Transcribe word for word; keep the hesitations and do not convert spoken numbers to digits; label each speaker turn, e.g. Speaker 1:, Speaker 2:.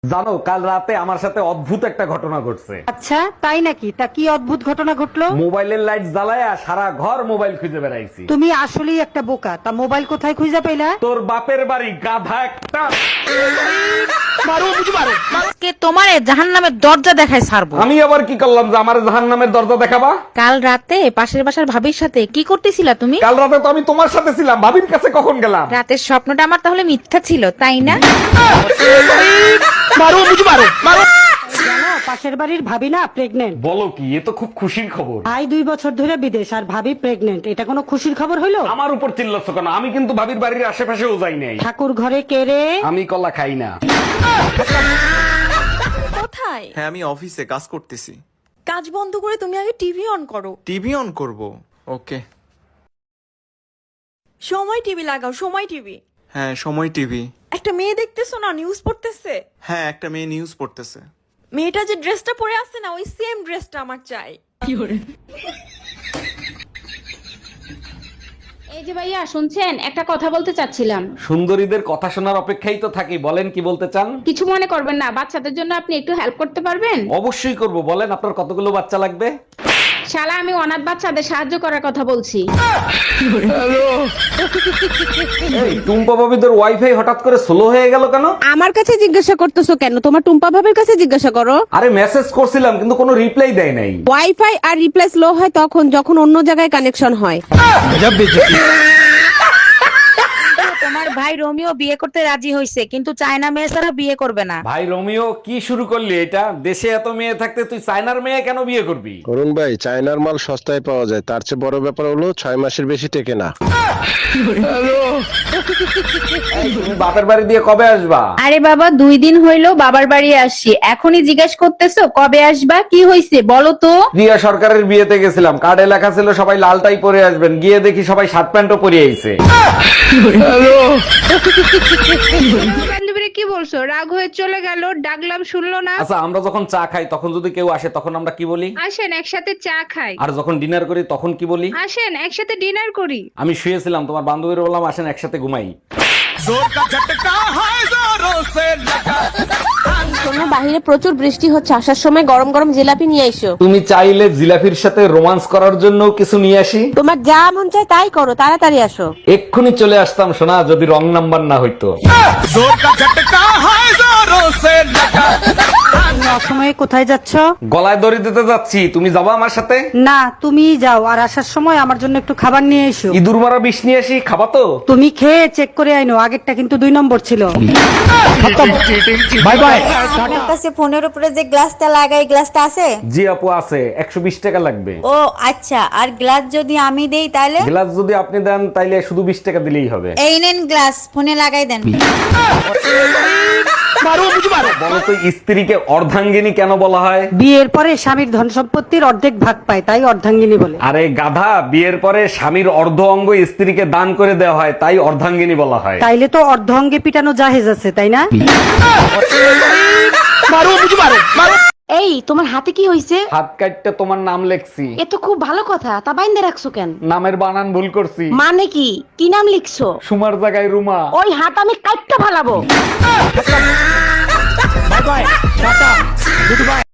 Speaker 1: জানো, কাল রাতে আমার সাথে অদ্ভুত একটা ঘটনা ঘটছে।
Speaker 2: আচ্ছা তাই নাকি? তা কি অদ্ভুত ঘটনা ঘটলো?
Speaker 1: মোবাইলের লাইট জ্বালায়া সারা ঘর মোবাইল খুঁজে বেড়াইছি।
Speaker 2: তুমি আসলেই একটা বোকা। তা মোবাইল কোথায় খুঁজে পেলা?
Speaker 1: তোর বাপের বাড়ি, গাধা একটা।
Speaker 3: আজকে তোমারে জাহান্নামের দরজা দেখায় ছাড়বো।
Speaker 1: আমি আবার কি করলাম যে আমার জাহান্নামের দরজা দেখাবা?
Speaker 3: কাল রাতে পাশের বাসার ভাবির সাথে কি করতেছিলা তুমি?
Speaker 1: কাল রাতে তো আমি তোমার সাথে ছিলাম, ভাবির কাছে কখন গেলাম?
Speaker 3: রাতের স্বপ্নটা আমার তাহলে মিথ্যা ছিল, তাই না?
Speaker 2: জানো, পাশের বাড়ির ভাবি না প্রেগনেন্ট।
Speaker 1: বলো কি? এ তো খুব খুশির খবর।
Speaker 2: ভাই দুই বছর ধরে বিদেশ আর ভাবি প্রেগনেন্ট, এটা কোনো খুশির খবর হলো?
Speaker 1: আমার উপর চিল্লাচ্ছ কেন? আমি কিন্তু ভাবির বাড়ির আশেপাশেও যাই নাই।
Speaker 2: ঠাকুর ঘরে কে রে?
Speaker 1: আমি কলা খাই না।
Speaker 4: কোথায়?
Speaker 5: হ্যাঁ, আমি অফিসে কাজ করতেছি।
Speaker 4: কাজ বন্ধ করে তুমি আগে টিভি অন করো।
Speaker 5: টিভি অন করব? ওকে।
Speaker 4: সময় টিভি লাগাও, সময় টিভি।
Speaker 5: হ্যাঁ, সময় টিভি।
Speaker 4: একটা মেয়ে দেখতেছো না, নিউজ পড়তেছে।
Speaker 5: হ্যাঁ, একটা মেয়ে নিউজ পড়তেছে।
Speaker 4: মেয়েটা যে ড্রেসটা পরে আছে না, ওই সেম ড্রেসটা আমার চাই।
Speaker 6: এই যে ভাইয়া শুনছেন, একটা কথা বলতে চাচ্ছিলাম।
Speaker 1: সুন্দরীদের কথা শোনার অপেক্ষাই তো থাকি, বলেন কি বলতে চান?
Speaker 6: কিছু মনে করবেন না, বাচ্চাদের জন্য আপনি একটু হেল্প করতে পারবেন?
Speaker 1: অবশ্যই করব, বলেন আপনার কতগুলো বাচ্চা লাগবে?
Speaker 6: শালা, আমি অনাথ বাচ্চাদের সাহায্য করার কথা বলছি।
Speaker 1: এই টুম্পা ভাবিদের ওয়াইফাই হঠাৎ করে স্লো হয়ে গেল কেন?
Speaker 7: আমার কাছে জিজ্ঞাসা করতেছো কেন? তোমার টুম্পা ভাবের কাছে জিজ্ঞাসা করো।
Speaker 1: আরে মেসেজ করছিলাম কিন্তু কোনো রিপ্লাই দেয় নাই।
Speaker 7: ওয়াইফাই আর রিপ্লেস লো হয় তখন যখন অন্য জায়গায় কানেকশন হয়।
Speaker 3: তোমার ভাই রোমিও বিয়ে করতে রাজি হয়েছে, কিন্তু চায়না মেয়ে ছাড়া বিয়ে করবে না।
Speaker 1: ভাই রোমিও, কি শুরু করলি এটা? দেশে এত মেয়ে থাকতে তুই চায়নার মেয়ে কেন বিয়ে করবি?
Speaker 8: অরুণ ভাই, চায়নার মাল সস্তায় পাওয়া যায়, তার চেয়ে বড় ব্যাপার হলো ছয় মাসের বেশি টেকে না।
Speaker 1: তুমি বাপের বাড়ি দিয়ে কবে আসবা?
Speaker 6: আরে বাবা, দুই দিন হইলো বাবার বাড়ি আসছি, এখনই জিজ্ঞেস করতেছো কবে আসবা? কি হইছে বলো তো?
Speaker 1: প্রিয়া সরকারের বিয়েতে গেছিলাম, কার্ডে লেখা ছিল সবাই লালটাই পরে আসবেন, গিয়ে দেখি সবাই শার্ট প্যান্টও পরে আইছে।
Speaker 7: বান্ধবীরা কি বলছো? রাগ হয়ে চলে গেল, ডাকলাম শুনলো না।
Speaker 1: আচ্ছা, আমরা যখন চা খাই তখন যদি কেউ আসে তখন আমরা কি বলি?
Speaker 7: আসেন একসাথে চা খাই।
Speaker 1: আর যখন ডিনার করি তখন কি বলি?
Speaker 7: আসেন একসাথে ডিনার করি।
Speaker 1: আমি শুয়েছিলাম, তোমার বান্ধবীর বললাম আসেন একসাথে ঘুমাই।
Speaker 7: শোনো, বাহিরে প্রচুর বৃষ্টি হচ্ছে, আসার সময় গরম গরম জিলাপি নিয়ে এসো।
Speaker 1: তুমি চাইলে জিলাফির সাথে রোমান্স করার জন্য কিছু নিয়ে আসি?
Speaker 7: তোমার যা মন চায় তাই করো, তাড়াতাড়ি আসো।
Speaker 1: এক্ষুনি চলে আসতাম সোনা, যদি রং নাম্বার না হইতো।
Speaker 2: তুমি অসময়ে কোথায় যাচ্ছ?
Speaker 1: গলায় দড়ি দিতে যাচ্ছি, তুমি যাবা আমার সাথে?
Speaker 2: না, তুমি যাও, আর আসার সময় আমার জন্য একটু খাবার নিয়ে এসো।
Speaker 1: ইঁদুর মারা বিষ নিয়ে আসি, খাবা তো?
Speaker 2: তুমি খেয়ে চেক করে আইনো, আগেরটা কিন্তু দুই নম্বর ছিল।
Speaker 1: Bye bye.
Speaker 9: আপনার কাছে ফোনের উপরে যে গ্লাসটা লাগাই, গ্লাসটা আছে?
Speaker 1: জি আপু আছে, একশো বিশ টাকা লাগবে।
Speaker 9: ও আচ্ছা, আর গ্লাস যদি আমি দেই তাহলে?
Speaker 1: গ্লাস যদি আপনি দেন তাইলে শুধু বিশ টাকা দিলেই হবে।
Speaker 9: এই নেন গ্লাস, ফোনে লাগাই দেন।
Speaker 1: বলো তো, স্ত্রীকে অর্ধাঙ্গিনী কেন বলা হয়?
Speaker 2: বিয়ের পরে স্বামীর ধন সম্পত্তির অর্ধেক ভাগ পায়, তাই অর্ধাঙ্গিনী বলে।
Speaker 1: আরে গাধা, বিয়ের পরে স্বামীর অর্ধ অঙ্গ স্ত্রীকে দান করে দেওয়া হয়, তাই অর্ধাঙ্গিনী বলা হয়।
Speaker 2: তাইলে তো অর্ধ অঙ্গে পিটানো জাহেজ আছে, তাই না?
Speaker 6: এই, তোমার হাতে কি হইছে?
Speaker 1: হাত কাটতে তোমার নাম লেখছি।
Speaker 6: এ তো খুব ভালো কথা, তা বাইন্দে রাখছো কেন?
Speaker 1: নামের বানান ভুল করছি।
Speaker 6: মানে কি? কি নাম লিখছো?
Speaker 1: সুমার জায়গায় রুমা।
Speaker 6: ওই হাত আমি কাটতে ফালাবো।